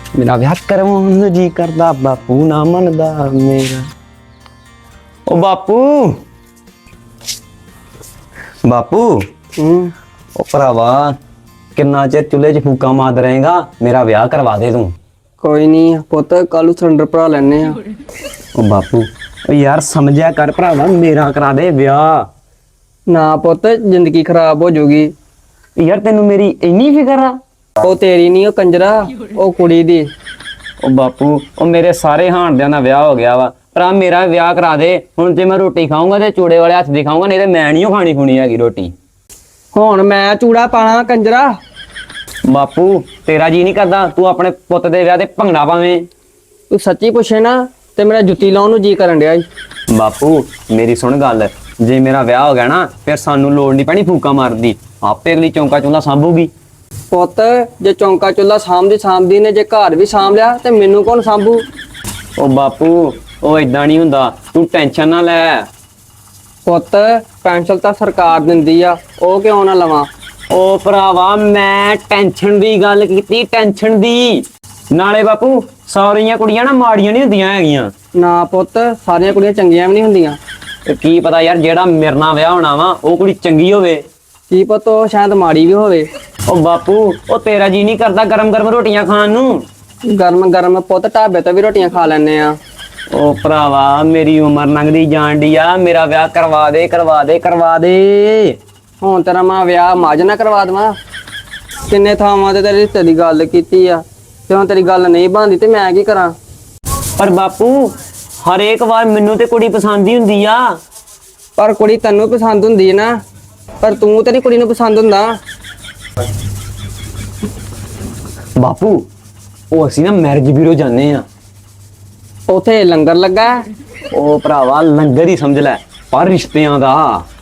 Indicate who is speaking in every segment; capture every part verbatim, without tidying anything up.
Speaker 1: मेरा विआह करवाउण नूं जी करदा बापू ना मनदा मेरा। ओ बापू बापू
Speaker 2: हम्म
Speaker 1: ओ भरावा किन्ना चिर चुल्हे च फूका मारदा रहेगा, मेरा विआह करवा दे तू।
Speaker 2: कोई नहीं पुत कल सिलेंडर भरा लैने आ।
Speaker 1: ओ बापू ओ यार समझिया कर भरावा, मेरा करा दे विआह।
Speaker 2: ना पुत जिंदगी खराब हो जाऊगी।
Speaker 1: यार तेनू मेरी इन्नी फिकर आ?
Speaker 2: ਉਹ ਤੇਰੀ ਨਹੀਂ ਉਹ ਕੰਜਰਾ ਉਹ ਕੁੜੀ ਦੀ।
Speaker 1: ओ बापू ओ मेरे सारे हांडियां दा विआह हो गया वा, भरा मेरा विआह करा दे। हुण जे मैं रोटी खाऊंगा ते चूड़े वाले हत्थ दी खाऊंगा, नहीं ते मैं नहीं खानी खुनी हैगी रोटी।
Speaker 2: ਹੁਣ ਮੈਂ ਚੂੜਾ ਪਾਣਾ ਕੰਜਰਾ।
Speaker 1: बापू तेरा जी नहीं करदा तू अपने पुत्त दे विआह ते भंगड़ा पावें?
Speaker 2: ਤੂੰ ਸੱਚੀ ਪੁੱਛੇ ਨਾ ਤੇ ਮੇਰਾ ਜੁੱਤੀ ਲਾਉਣ ਨੂੰ ਜੀ ਕਰਨ ਡਿਆ ਈ।
Speaker 1: बापू मेरी सुन गल, जे मेरा विआह हो गया ना फिर सानू लोड़ नहीं पैनी फूका मारन दी, आपे अगली चौंका चूल्हा सांभूगी।
Speaker 2: ਪੁੱਤ ਜੇ ਚੌਂਕਾ ਚੁੱਲਾ ਸਾਂਭਦੀ ਸਾਂਭਦੀ ਨੇ ਜੇ ਘਰ ਵੀ ਸਾਂਭ ਲਿਆ ਤੇ ਮੈਨੂੰ ਕੌਣ ਸਾਂਭੂ?
Speaker 1: ओ बापू ओ इदां नहीं हुंदा, तू टेंशन ना लै।
Speaker 2: ਪੁੱਤ ਪੈਨਸ਼ਨ ਤਾਂ ਸਰਕਾਰ ਦਿੰਦੀ ਆ, ਉਹ ਕਿਉਂ ਨਾ ਲਵਾਂ?
Speaker 1: ओ भरावा मैं टेंशन दी गल कीती, टेंशन दी। नाले बापू सारियां कुड़ियां ना माड़ियां नहीं हुंदियां हैगियां।
Speaker 2: ਨਾ ਪੁੱਤ ਸਾਰੀਆਂ ਕੁੜੀਆਂ ਚੰਗੀਆਂ ਵੀ ਨਹੀਂ ਹੁੰਦੀਆਂ।
Speaker 1: ते की पता यार जेड़ा मेरे नाल विआह होना वा ओ कुड़ी चंगी होवे।
Speaker 2: ਕੀ ਪਤਾ ਉਹ ਸ਼ਾਇਦ ਮਾੜੀ ਵੀ ਹੋਵੇ।
Speaker 1: ओ बापू ओ तेरा जी नहीं करदा गरम गरम रोटियां खाण नूं?
Speaker 2: ਗਰਮ ਗਰਮ ਪੁੱਤ ਢਾਬੇ ਤੋਂ ਵੀ ਰੋਟੀਆਂ ਖਾ ਲੈਣੇ ਆ।
Speaker 1: ओ भरावा मेरी उम्र लंघदी जान डी आ, मेरा विआह करवा दे करवा दे करवा दे।
Speaker 2: ਹੁਣ ਤੇਰਾ ਮੈਂ ਵਿਆਹ ਮਾਜ ਨਾ ਕਰਵਾ ਦੇਵਾਂ? ਕਿੰਨੇ ਥਾਵਾਂ ਤੇ ਤੇਰੇ ਰਿਸ਼ਤੇ ਦੀ ਗੱਲ ਕੀਤੀ ਆ ਤੇ ਹੁਣ ਤੇਰੀ ਗੱਲ ਨਹੀਂ ਬਣਦੀ ਤੇ ਮੈਂ ਕੀ ਕਰਾਂ?
Speaker 1: पर बापू हर एक बार मैनू ते कुड़ी पसंद ही हुंदी आ।
Speaker 2: ਪਰ ਕੁੜੀ ਤੈਨੂੰ ਪਸੰਦ ਹੁੰਦੀ ਹੈ ਨਾ, ਪਰ ਤੂੰ ਤੇਰੀ ਕੁੜੀ ਨੂੰ ਪਸੰਦ ਹੁੰਦਾ।
Speaker 1: बापू ओ असीं ना मैरिज ब्यूरो जाने आ।
Speaker 2: ਉਥੇ ਲੰਗਰ ਲੱਗਾ ਹੈ।
Speaker 1: ओ भरावा लंगर ही समझ लै, पर रिश्तियां दा।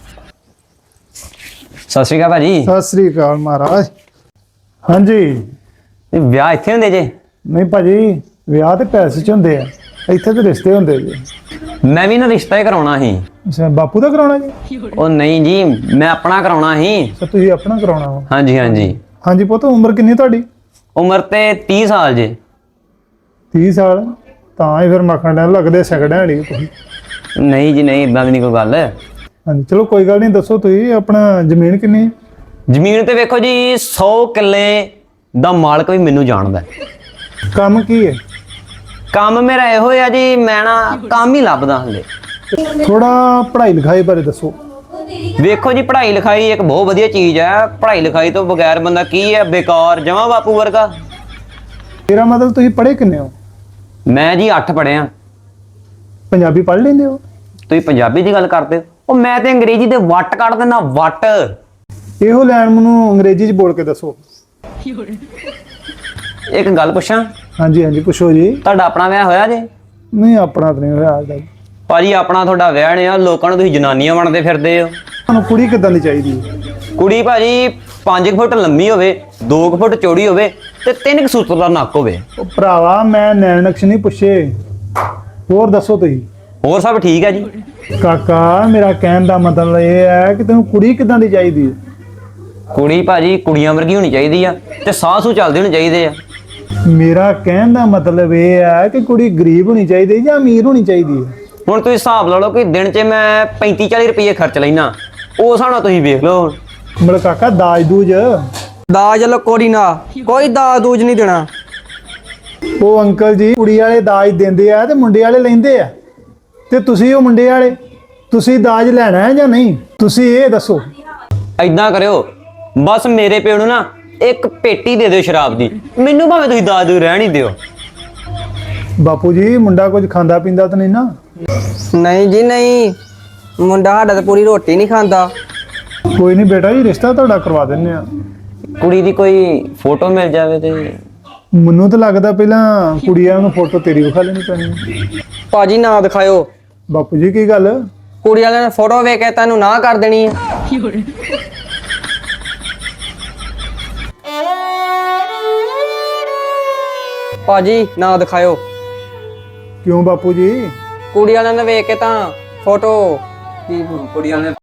Speaker 1: सत श्री अकाल भाजी।
Speaker 3: ਸਤਿ ਸ੍ਰੀ ਅਕਾਲ ਮਹਾਰਾਜ। ਹਾਂਜੀ
Speaker 1: विआह इत्थे हुंदे जे?
Speaker 3: ਨਹੀਂ ਭਾਜੀ, ਵਿਆਹ ਤੇ ਪੈਸੇ ਚ ਹੁੰਦੇ ਆ, ਇੱਥੇ ਤੇ ਰਿਸ਼ਤੇ ਹੁੰਦੇ ਜੀ।
Speaker 1: मैं भी ना रिश्ता ही कराउणा ही।
Speaker 3: ਅੱਛਾ ਬਾਪੂ ਦਾ ਕਰਾਉਣਾ ਜੀ?
Speaker 1: ओ नहीं जी मैं अपना कराउणा ही।
Speaker 3: ਅੱਛਾ ਤੁਸੀਂ ਆਪਣਾ ਕਰਾਉਣਾ ਵਾ।
Speaker 1: हाँ जी हाँ जी।
Speaker 3: ਹਾਂਜੀ ਪੁੱਤ ਉਮਰ ਕਿੰਨੀ ਤੁਹਾਡੀ?
Speaker 1: उम्र ते तीस साल जे।
Speaker 3: ਤੀਹ ਸਾਲ? ਤਾਂ ਹੀ ਫਿਰ ਮੱਖਣ ਡੈਣ ਲੱਗਦੇ ਸਗੜਾਂ ਵਾਲੀ ਤੁਸੀਂ।
Speaker 1: नहीं जी नहीं इदां दी नहीं कोई गल।
Speaker 3: ਹਾਂਜੀ ਚਲੋ ਕੋਈ ਗੱਲ ਨਹੀਂ, ਦੱਸੋ ਤੁਸੀਂ ਆਪਣਾ ਜ਼ਮੀਨ ਕਿੰਨੀ ਹੈ?
Speaker 1: ਜ਼ਮੀਨ ਤੇ ਵੇਖੋ ਜੀ सौ ਕਿੱਲੇ ਦਾ ਮਾਲਕ ਵੀ ਮੈਨੂੰ ਜਾਣਦਾ ਹੈ।
Speaker 3: ਕੰਮ ਕੀ ਹੈ?
Speaker 1: ਕੰਮ ਮੇਰਾ ਇਹੋ ਆ ਜੀ, ਮੈਂ ਨਾ ਕੰਮ ਹੀ ਲੱਭਦਾ ਹਲੇ।
Speaker 3: ਥੋੜਾ ਪੜ੍ਹਾਈ ਲਿਖਾਈ ਬਾਰੇ ਦੱਸੋ।
Speaker 1: ਵੇਖੋ ਜੀ ਪੜ੍ਹਾਈ ਲਿਖਾਈ ਇੱਕ ਬਹੁਤ ਵਧੀਆ ਚੀਜ਼ ਹੈ, ਪੜ੍ਹਾਈ ਲਿਖਾਈ ਤੋਂ ਬਗੈਰ ਬੰਦਾ ਕੀ ਹੈ, ਬੇਕਾਰ ਜਮਾ ਬਾਪੂ ਵਰਗਾ।
Speaker 3: ਮੇਰਾ ਮਤਲਬ ਤੁਸੀਂ ਪੜ੍ਹੇ ਕਿੰਨੇ ਹੋ?
Speaker 1: ਮੈਂ ਜੀ ਅੱਠ ਪੜ੍ਹਿਆ।
Speaker 3: ਪੰਜਾਬੀ ਪੜ੍ਹ ਲੈਂਦੇ ਹੋ?
Speaker 1: ਤੁਸੀਂ ਪੰਜਾਬੀ ਦੀ ਗੱਲ ਕਰਦੇ ਹੋ? ਉਹ ਮੈਂ ਤੇ ਅੰਗਰੇਜ਼ੀ ਦੇ ਵੱਟ ਕੱਢ ਦਿੰਦਾ, ਵੱਟ।
Speaker 3: ਇਹੋ ਲੈਣ ਮੈਨੂੰ ਅੰਗਰੇਜ਼ੀ ਚ ਬੋਲ ਕੇ ਦੱਸੋ।
Speaker 1: ਇੱਕ ਗੱਲ ਪੁੱਛਾਂ?
Speaker 3: ਹਾਂਜੀ ਹਾਂਜੀ ਪੁੱਛੋ ਜੀ।
Speaker 1: ਤੁਹਾਡਾ ਆਪਣਾ ਵਿਆਹ ਹੋਇਆ ਜੇ?
Speaker 3: ਨਹੀਂ ਆਪਣਾ ਤਾਂ ਨਹੀਂ ਹੋਇਆ ਅੱਜ ਤੱਕ।
Speaker 1: ਭਾਜੀ ਆਪਣਾ ਤੁਹਾਡਾ ਵਿਆਹ ਨੇ ਆ, ਲੋਕਾਂ ਨੂੰ ਤੁਸੀਂ ਜਨਾਨੀਆਂ ਬਣਦੇ ਫਿਰਦੇ ਹੋ।
Speaker 3: ਤੁਹਾਨੂੰ ਕੁੜੀ ਕਿੱਦਾਂ ਦੀ ਚਾਹੀਦੀ ਹੈ?
Speaker 1: ਕੁੜੀ ਭਾਜੀ ਪੰਜ ਫੁੱਟ ਲੰਮੀ ਹੋਵੇ, ਦੋ ਕੁ ਫੁੱਟ ਚੌੜੀ ਹੋਵੇ ਤੇ ਤਿੰਨ ਕੁ ਸੂਤਰ ਦਾ ਨੱਕ ਹੋਵੇ।
Speaker 3: ਉਹ ਭਰਾਵਾ ਮੈਂ ਨੈਣ ਨਕਸ਼ ਨਹੀਂ ਪੁੱਛੇ, ਹੋਰ ਦੱਸੋ ਤੁਸੀਂ।
Speaker 1: ਹੋਰ ਸਭ ਠੀਕ ਹੈ ਜੀ।
Speaker 3: ਕਾਕਾ ਮੇਰਾ ਕਹਿਣ ਦਾ ਮਤਲਬ ਇਹ ਹੈ ਕਿ ਤੈਨੂੰ ਕੁੜੀ ਕਿੱਦਾਂ ਦੀ ਚਾਹੀਦੀ ਹੈ?
Speaker 1: ਕੁੜੀ ਭਾਜੀ ਕੁੜੀਆਂ ਵਰਗੀ ਹੋਣੀ ਚਾਹੀਦੀ ਆ ਤੇ ਸਾਹ ਸੂ ਚੱਲਦੇ ਹੋਣੇ ਚਾਹੀਦੇ ਆ।
Speaker 3: ਮੇਰਾ ਕਹਿਣ ਦਾ ਮਤਲਬ ਇਹ ਹੈ ਕਿ ਕੁੜੀ ਗਰੀਬ ਹੋਣੀ ਚਾਹੀਦੀ ਜਾਂ ਅਮੀਰ ਹੋਣੀ ਚਾਹੀਦੀ ਹੈ?
Speaker 1: ਹੁਣ ਤੁਸੀਂ ਹਿਸਾਬ ਲਾ ਲਓ ਕਿ ਦਿਨ 'ਚ ਮੈਂ ਪੈਂਤੀ ਚਾਲੀ ਰੁਪਏ ਖਰਚ ਲੈਣਾ, ਉਸ ਹਿਸਾਬ ਨਾਲ ਤੁਸੀਂ ਵੇਖ ਲਓ।
Speaker 3: ਮਤਲਬ ਕਾਕਾ ਦਾਜ ਦੂਜ?
Speaker 2: ਦਾਜ ਲੋ ਕੋੜੀ ਨਾ, ਕੋਈ ਦਾਜ ਦੂਜ ਨਹੀਂ ਦੇਣਾ।
Speaker 3: ਉਹ ਅੰਕਲ ਜੀ ਕੁੜੀ ਵਾਲੇ ਦਾਜ ਦਿੰਦੇ ਆ ਤੇ ਮੁੰਡੇ ਵਾਲੇ ਲੈਂਦੇ ਆ, ਤੇ ਤੁਸੀਂ ਉਹ ਮੁੰਡੇ ਵਾਲੇ, ਤੁਸੀਂ ਦਾਜ ਲੈਣਾ ਹੈ ਜਾਂ ਨਹੀਂ? ਤੁਸੀਂ ਇਹ ਦੱਸੋ।
Speaker 1: ਐਦਾਂ ਕਰਿਓ ਬਸ ਮੇਰੇ ਪਿਓ ਨੂੰ ਨਾ ਇੱਕ ਪੇਟੀ ਦੇ ਦਿਓ ਸ਼ਰਾਬ ਦੀ, ਮੈਨੂੰ ਭਾਵੇਂ ਤੁਸੀਂ ਦਾਜ ਦੂ ਰਹਿਣ ਹੀ ਦਿਓ।
Speaker 3: ਬਾਪੂ ਜੀ ਮੁੰਡਾ ਕੁਝ ਖਾਂਦਾ ਪੀਂਦਾ ਤਾਂ ਨਹੀਂ ਨਾ?
Speaker 2: ਨਹੀਂ ਜੀ ਨਹੀਂ, ਮੁੰਡਾ ਸਾਡਾ ਤਾਂ ਪੂਰੀ ਰੋਟੀ ਨਹੀਂ ਖਾਂਦਾ।
Speaker 3: ਕੋਈ ਨਹੀਂ ਬੇਟਾ ਜੀ, ਰਿਸ਼ਤਾ ਤੁਹਾਡਾ ਕਰਵਾ ਦਿੰਨੇ ਆ।
Speaker 1: ਕੁੜੀ ਦੀ ਕੋਈ ਫੋਟੋ ਮਿਲ ਜਾਵੇ ਤੇ।
Speaker 3: ਮੈਨੂੰ ਤਾਂ ਲੱਗਦਾ ਪਹਿਲਾਂ ਕੁੜੀਆਂ ਨੂੰ ਫੋਟੋ ਤੇਰੀ ਵਿਖਾ ਲੈਣੀ ਪੈਣੀ।
Speaker 2: ਭਾਜੀ ਨਾ ਦਿਖਾਇਓ।
Speaker 3: ਬਾਪੂ ਜੀ ਕੀ ਗੱਲ?
Speaker 2: ਕੁੜੀ ਵਾਲਿਆਂ ਨੇ ਫੋਟੋ ਵੇਖ ਕੇ ਤੈਨੂੰ ਨਾ ਕਰ ਦੇਣੀ ਹੈ। ਭਾਜੀ ਨਾ ਦਿਖਾਇਓ।
Speaker 3: ਕਿਉਂ ਬਾਪੂ ਜੀ?
Speaker 2: ਕੁੜੀ ਵਾਲਿਆਂ ਨੇ ਵੇਖ ਕੇ ਤਾਂ ਫੋਟੋ
Speaker 1: ਕੁੜੀਆਂ ਨੇ